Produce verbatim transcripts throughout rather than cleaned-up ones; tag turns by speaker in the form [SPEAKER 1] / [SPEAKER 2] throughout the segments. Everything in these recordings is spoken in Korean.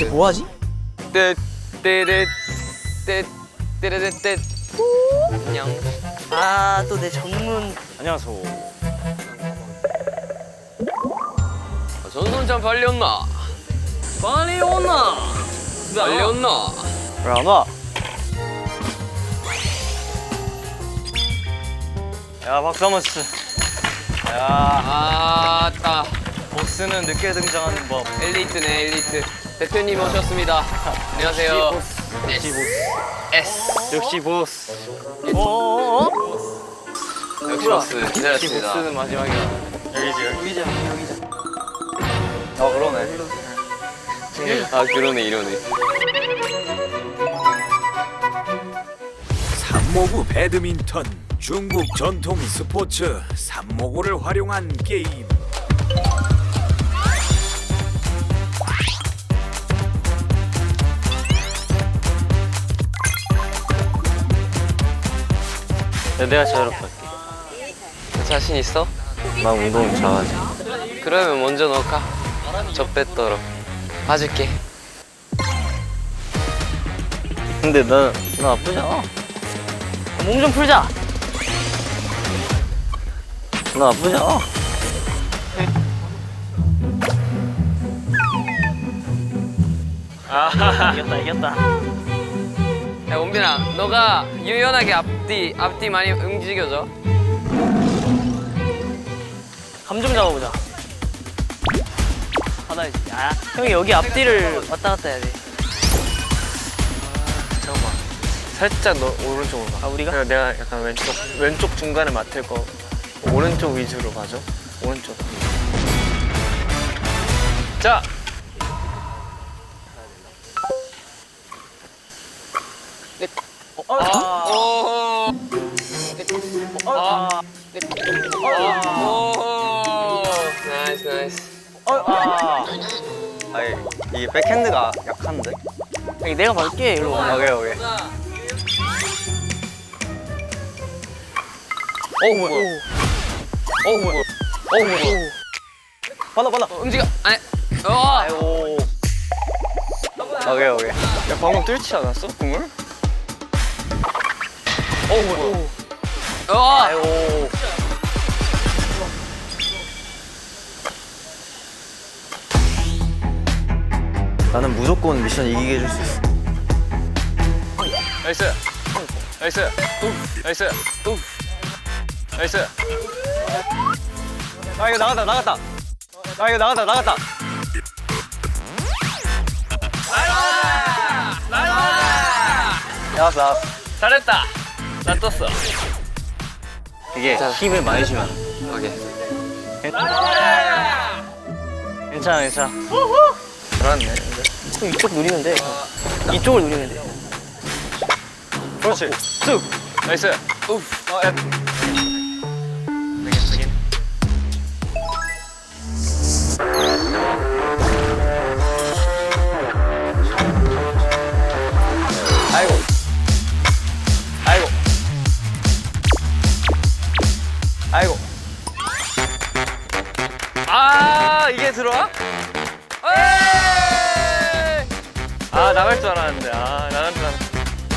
[SPEAKER 1] 이제 뭐 하지?
[SPEAKER 2] 떼떼떼 떼떼떼떼 안녕.
[SPEAKER 1] 아, 또 내 전문.
[SPEAKER 3] 안녕하세요.
[SPEAKER 2] 전선장 빨리 온나? 빨리 온나? 빨리 온나?
[SPEAKER 3] 왜 안 와? 야, 박수 한번 치자. 야,
[SPEAKER 2] 아따
[SPEAKER 3] 보스는 늦게 등장하는 법.
[SPEAKER 2] 엘리트네 엘리트. 대표님 오셨습니다. 안녕하세요.
[SPEAKER 3] 역시 보스.
[SPEAKER 2] S
[SPEAKER 3] 역시 보스.
[SPEAKER 1] 어어어?
[SPEAKER 2] 역시 보스
[SPEAKER 3] 역시
[SPEAKER 2] 기다렸습니다.
[SPEAKER 3] 보스는 마지막이야. 여기지, 여기.
[SPEAKER 1] 여기자, 여기자.
[SPEAKER 3] 아, 그러네.
[SPEAKER 2] 아 그러네 이러네.
[SPEAKER 4] 삼모구 배드민턴, 중국 전통 스포츠 삼모구를 활용한 게임.
[SPEAKER 3] 야, 내가 자유롭게 할게.
[SPEAKER 2] 자신 있어?
[SPEAKER 3] 난 운동 잘하지.
[SPEAKER 2] 그러면 먼저 넣을까? 적배떨어 봐줄게.
[SPEAKER 3] 근데 나, 나 나쁘지 않아.
[SPEAKER 1] 몸 좀 풀자.
[SPEAKER 3] 나 나쁘지 않아.
[SPEAKER 1] 이겼다, 이겼다.
[SPEAKER 2] 야 원빈아 너가 유연하게 앞뒤 앞뒤 많이 움직여줘.
[SPEAKER 1] 감 좀 잡아보자. 받아야지. 아, 형이 여기 앞뒤를 왔다 갔다 해야 돼.
[SPEAKER 3] 잠깐만. 살짝 너 오른쪽으로 가.
[SPEAKER 1] 아, 우리가?
[SPEAKER 3] 그리고 내가 약간 왼쪽, 왼쪽 중간에 맡을 거. 오른쪽 위주로 가죠. 오른쪽. 자!
[SPEAKER 1] 어, 아,
[SPEAKER 2] 오.
[SPEAKER 1] 아,
[SPEAKER 2] 오. 나이스 나이스.
[SPEAKER 1] 아.
[SPEAKER 3] 아니, 이게 백핸드가 약한데?
[SPEAKER 1] 여기 내가 받을게, 일로 와.
[SPEAKER 3] 오케이, 오케이.
[SPEAKER 1] 어, 뭐야?
[SPEAKER 3] 어, 뭐야? 어, 뭐야? 받아, 받아.
[SPEAKER 2] 어, 움직여. 아니. 어.
[SPEAKER 3] 아이고. 오케이, 오케이. 야, 방금 뚫지 않았어? 공을? 어, 뭐야?
[SPEAKER 2] 어.
[SPEAKER 3] 아이고. 나는 무조건 미션 이기게 해줄 수 있어. 나이스. 나이스. 나이스. 나이스. 아, 이거 나갔다, 나갔다. 아, 이거 나갔다, 나갔다. 나왔어, 나왔어.
[SPEAKER 2] 잘했다. 나 떴어.
[SPEAKER 3] 이게 힘을 많이 주면.
[SPEAKER 2] 오케이.
[SPEAKER 3] 괜찮아, 괜찮아. 잘하네.
[SPEAKER 1] 형 이쪽 누리면 돼. 이쪽을 누리면 돼.
[SPEAKER 3] 그렇지. 쑥. 나이스. 우프. 어, 야. 되긴, 되긴. 아이고. 아이고. 아이고. 아, 이게 들어와? 에이! 아, 나갈 줄 알았는데. 아, 나갈 줄 알았는데.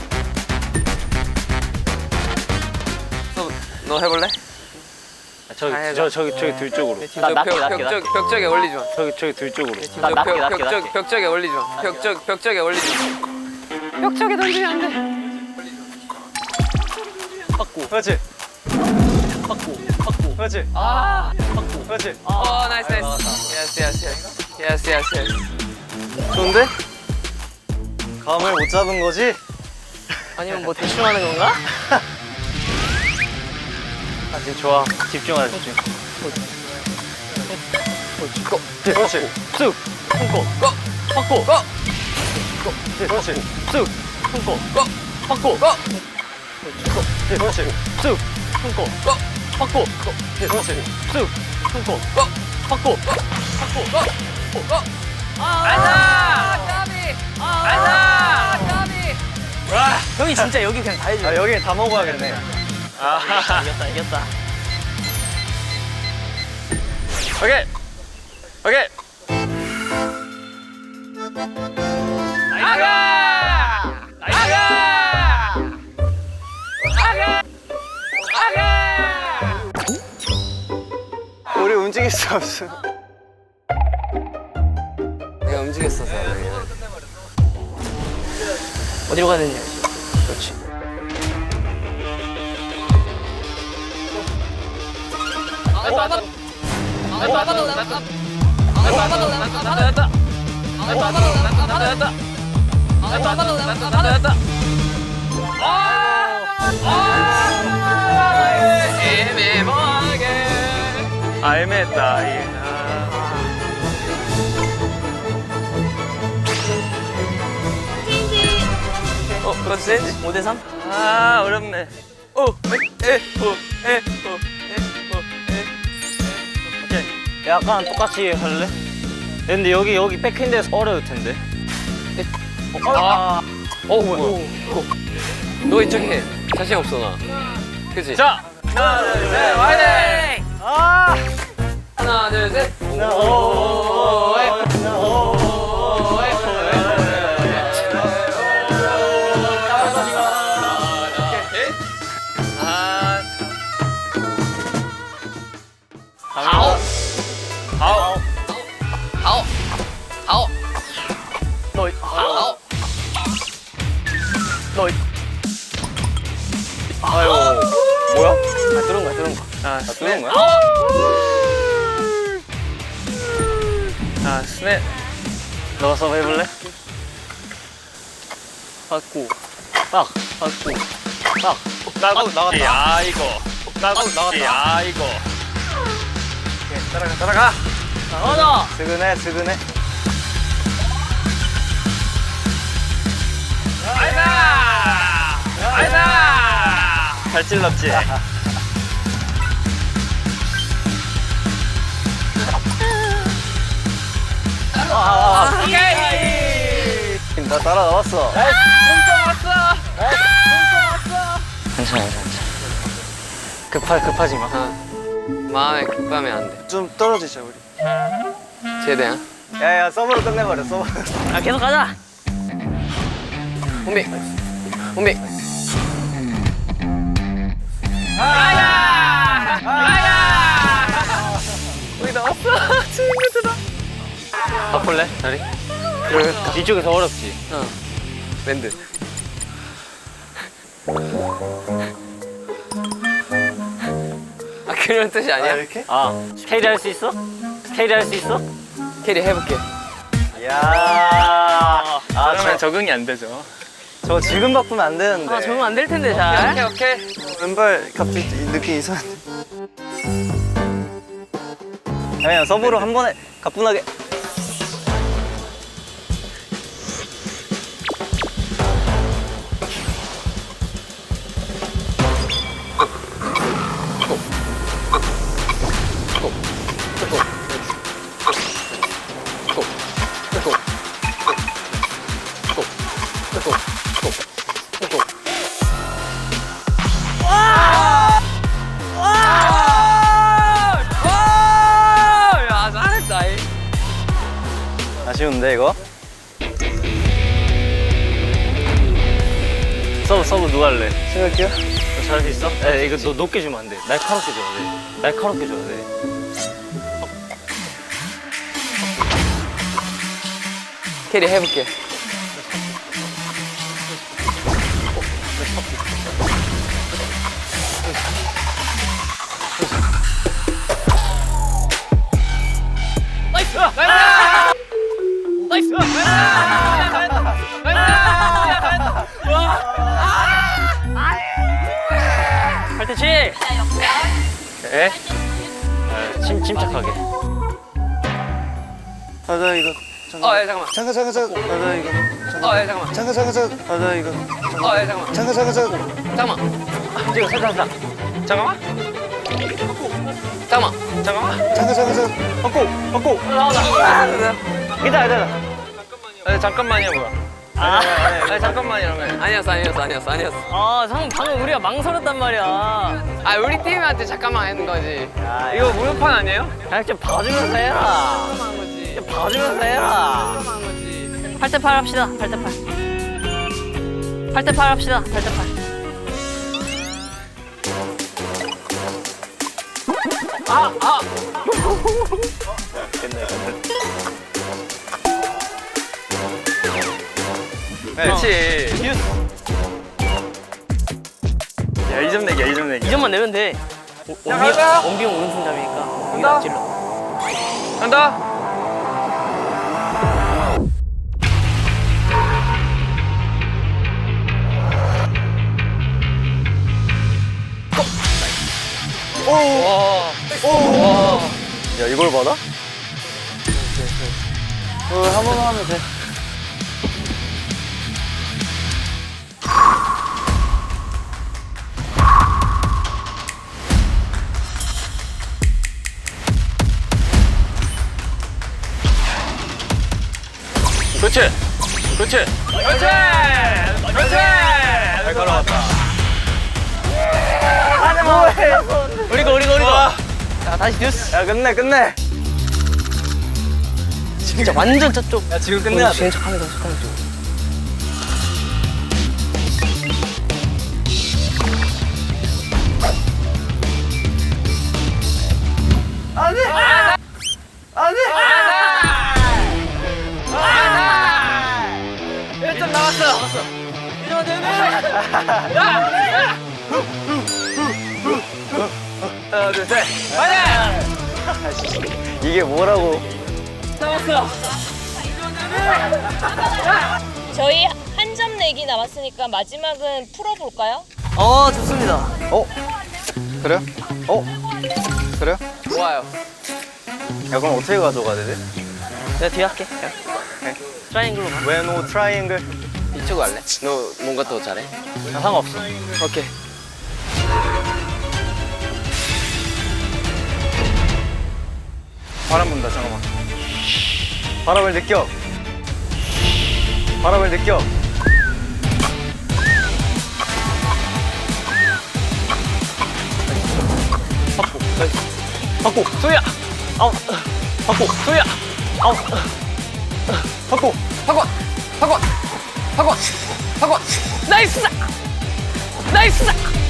[SPEAKER 2] 너, 너 해볼래?
[SPEAKER 3] 저기,
[SPEAKER 2] 아,
[SPEAKER 3] 저, 저기, 저기 둘 쪽으로.
[SPEAKER 1] 나 낮게,
[SPEAKER 2] 벽,
[SPEAKER 1] 낮게,
[SPEAKER 2] 벽,
[SPEAKER 1] 낮게.
[SPEAKER 2] 벽, 벽에 올리지 마.
[SPEAKER 3] 저기, 저기 둘 쪽으로.
[SPEAKER 1] 나 낮게,
[SPEAKER 2] 벽,
[SPEAKER 1] 낮게,
[SPEAKER 2] 벽,
[SPEAKER 1] 낮게.
[SPEAKER 2] 벽쪽에 올리지 마. 벽적, 벽쪽에 올리지 마. 벽쪽에 던지면 안 돼.
[SPEAKER 1] 받고,
[SPEAKER 3] 그렇지.
[SPEAKER 1] 받고, 받고.
[SPEAKER 3] 그렇지.
[SPEAKER 2] 아.
[SPEAKER 1] 받고.
[SPEAKER 3] 그렇지.
[SPEAKER 2] 어, 나이스, 나이스. 예스, 예스, 예스. 예스, 예스, 예스.
[SPEAKER 3] 좋은데? 감을 못 잡은 거지?
[SPEAKER 1] 아니면 뭐 대충 하는 건가?
[SPEAKER 3] 아, 지금 좋아. 집중하자, 집중. 그렇지.
[SPEAKER 1] 쑥, 손고,
[SPEAKER 2] 고!
[SPEAKER 1] 받고,
[SPEAKER 2] 고!
[SPEAKER 3] 그렇지.
[SPEAKER 1] 쑥, 손고,
[SPEAKER 2] 고!
[SPEAKER 1] 받고,
[SPEAKER 2] 고!
[SPEAKER 3] 그렇지.
[SPEAKER 1] 쑥, 손고,
[SPEAKER 2] 고!
[SPEAKER 1] 받고,
[SPEAKER 3] 그렇지.
[SPEAKER 1] 쑥, 손고,
[SPEAKER 2] 고!
[SPEAKER 1] 받고,
[SPEAKER 2] 고! 고! 고! 아자! 까비! 아자! 까비!
[SPEAKER 1] 형이 진짜 여기 그냥 다 해줘.
[SPEAKER 3] 아, 여기 다 먹어야겠네. 아,
[SPEAKER 1] 이겼다, 이겼다.
[SPEAKER 3] 오케이. 오케이. 움직일 수 없어.
[SPEAKER 2] 내가 움직였어서 그냥.
[SPEAKER 1] 어디로 가야 되냐? 그렇지.
[SPEAKER 3] 아, 애매했다. 이게. 아.
[SPEAKER 1] 어, 그렇지 센지? 오 대 삼?
[SPEAKER 3] 아, 어렵네.
[SPEAKER 1] 오, 에, 에, 오, 에, 오, 에, 오, 에. 오케이. 약간 똑같이 할래? 근데 여기 여기 백핸드에서 어려울 텐데.
[SPEAKER 2] 아, 어 뭐야? 너 이쪽 해. 자신 없어 나. 그치?
[SPEAKER 3] 자, 하나, 둘, 셋, 화이팅!
[SPEAKER 1] 아!
[SPEAKER 2] 하나 둘 셋.
[SPEAKER 1] 오, 에,
[SPEAKER 3] 아,
[SPEAKER 2] 아홉
[SPEAKER 3] 아홉.
[SPEAKER 2] 아홉 아홉
[SPEAKER 1] 너,
[SPEAKER 2] 아홉.
[SPEAKER 1] 너,
[SPEAKER 3] 아유, 뭐야?
[SPEAKER 1] 아, 들은 거야, 들은 거.
[SPEAKER 3] 아, 스냅.
[SPEAKER 1] 거야?
[SPEAKER 3] 아, 스냅.
[SPEAKER 1] 너가 서브 해볼래? 받고, 딱, 받고, 딱.
[SPEAKER 3] 나도
[SPEAKER 1] 나갔다.
[SPEAKER 3] 야, 이거. 나도
[SPEAKER 1] 나갔다.
[SPEAKER 3] 야, 이거. 따라가, 따라가.
[SPEAKER 1] 나가자!
[SPEAKER 3] 스그네, 스그네.
[SPEAKER 2] 아이다 아이다.
[SPEAKER 3] 잘 찔렀지?
[SPEAKER 1] 아, 아, 아.
[SPEAKER 2] 오케이.
[SPEAKER 1] 나 따라 나왔어.
[SPEAKER 2] punto 왔어.
[SPEAKER 1] 괜찮아, 괜찮아. 급하, 급하지 마.
[SPEAKER 2] 마음에 급하면 안 돼.
[SPEAKER 3] 좀 떨어지자, 우리.
[SPEAKER 2] 최대한.
[SPEAKER 3] 야, 야, 서브로 끝내버려, 서브.
[SPEAKER 1] 아, 계속 가자.
[SPEAKER 2] 혼비 혼비. 아야 아야. 우리 나왔어. 친구들아.
[SPEAKER 1] 바꿀래? 자리? 그래. 이쪽이 더 어렵지.
[SPEAKER 2] 어. 밴드. 아 그런 뜻이 아니야?
[SPEAKER 3] 이렇게?
[SPEAKER 1] 아, 스케이트 할 수 있어? 스케이트 할 수 있어?
[SPEAKER 2] 캐리 해볼게.
[SPEAKER 3] 야.
[SPEAKER 1] 아,
[SPEAKER 3] 그러면
[SPEAKER 1] 저,
[SPEAKER 3] 적응이 안 되죠.
[SPEAKER 1] 저 지금 바꾸면 안 되는데. 아, 적응 안 될 텐데, 잘.
[SPEAKER 2] 오케이 오케이.
[SPEAKER 3] 왼발 갑자기 느낌 이상한데.
[SPEAKER 1] 그냥 서브로 한 번에 가뿐하게.
[SPEAKER 2] 야 잘했다. 이.
[SPEAKER 1] 아쉬운데, 이거? 서브, 서브 누가 할래?
[SPEAKER 3] 생각해요?
[SPEAKER 1] 너 잘할 수 있어? 에, 이거 너 높게 주면 안 돼. 날카롭게 줘야 돼. 날카롭게 줘야 돼.
[SPEAKER 2] 캐리 해볼게. 나이스! 나이스!
[SPEAKER 1] 팔대치!
[SPEAKER 3] 에?
[SPEAKER 1] 침, 침착하게.
[SPEAKER 3] 맞아, 이거.
[SPEAKER 2] 어, 예, 잠깐만.
[SPEAKER 3] 잠깐, 잠깐, 잠깐. 맞아, 이거.
[SPEAKER 2] 어, 예, 잠깐만.
[SPEAKER 3] 잠깐, 잠깐, 잠깐. 맞아, 이거.
[SPEAKER 2] 어, 예, 잠깐만.
[SPEAKER 3] 잠깐, 잠깐, 잠깐.
[SPEAKER 2] 잠깐만.
[SPEAKER 1] 찍어, 살짝, 살짝.
[SPEAKER 2] 잠깐만. 잠깐만.
[SPEAKER 3] 잠깐, 잠깐, 잠깐.
[SPEAKER 1] 바꿔, 바꿔. 괜찮아, 괜찮아.
[SPEAKER 3] 아니, 잠깐만이야, 뭐야.
[SPEAKER 1] 아,
[SPEAKER 3] 아니, 잠깐만이라며.
[SPEAKER 2] 아니었어, 아니었어, 아니었어, 아니었어.
[SPEAKER 1] 아, 상 방금 우리가 망설였단 말이야.
[SPEAKER 2] 아, 우리 팀한테 잠깐만 하는 거지.
[SPEAKER 1] 야,
[SPEAKER 3] 이거 무효판 아니에요?
[SPEAKER 1] 그냥 좀 봐주면서 해라.
[SPEAKER 2] 한 거지.
[SPEAKER 1] 좀 봐주면서 해라.
[SPEAKER 2] 한 거지.
[SPEAKER 1] 팔 대 팔 합시다. 팔 대 팔. 팔 대 팔 합시다. 팔 대 팔.
[SPEAKER 3] 끝내 끝내.
[SPEAKER 2] 그렇지.
[SPEAKER 3] 야 이 점 내기야 이 점 내기.
[SPEAKER 1] 이 점만 내면 돼.
[SPEAKER 2] 자, 가자.
[SPEAKER 1] 원비 형 오른손잡이니까 여기
[SPEAKER 2] 간다.
[SPEAKER 1] 안 찔러.
[SPEAKER 2] 간다. 오. 와. 오.
[SPEAKER 3] 야 이걸 받아?
[SPEAKER 1] 어, 한 번만 하면 돼.
[SPEAKER 3] 그렇지. 그렇지.
[SPEAKER 2] 그렇지. 그렇지.
[SPEAKER 3] 잘 걸어왔다.
[SPEAKER 1] 우리 거 우리 거 우리 거. 자 다시 뉴스.
[SPEAKER 3] 야 끝내 끝내.
[SPEAKER 1] 진짜 완전 저쪽.
[SPEAKER 3] 야 지금 끝내야 돼.
[SPEAKER 1] 지금 척하면서 척하면서.
[SPEAKER 2] 일 점 남았어. 하나, 둘, 셋. 가자.
[SPEAKER 3] 이게 뭐라고?
[SPEAKER 5] 저희 한 점 내기 남았으니까 마지막은 풀어볼까요?
[SPEAKER 1] 어 좋습니다.
[SPEAKER 3] 어? 그래? 어? 그래?
[SPEAKER 2] 좋아요.
[SPEAKER 3] 야 그럼 어떻게 가져가야 되지?
[SPEAKER 1] 내가 뒤에 할게.
[SPEAKER 3] 네.
[SPEAKER 1] 트라이앵글로 가.
[SPEAKER 3] 웨노 트라이앵글.
[SPEAKER 2] 이쪽 할래? 너 뭔가 더 잘해?
[SPEAKER 1] 나 상관없어.
[SPEAKER 2] 오케이.
[SPEAKER 3] 바람 분다 잠깐만. 바람을 느껴. 바람을 느껴.
[SPEAKER 1] 받고 소희야. 아웃. 받고 소희야. 아웃.
[SPEAKER 3] 받고.
[SPEAKER 2] 학원. 학원. 학원. 학원. 나이스. 나이스.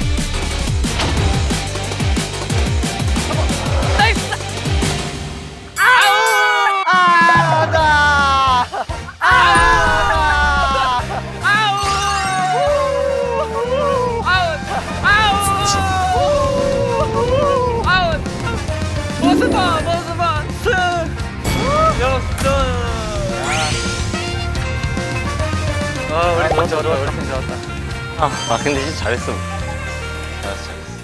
[SPEAKER 2] 나이스. 아우.
[SPEAKER 3] 아다. 아.
[SPEAKER 2] 아우. 아웃. 아웃. 아웃. 모스바 모스바 스.
[SPEAKER 3] 역전. 아 우리 좋았다 우리 팀 좋았다.
[SPEAKER 1] 아, 아 근데 진짜 잘했어.
[SPEAKER 3] 잘했어 잘했어.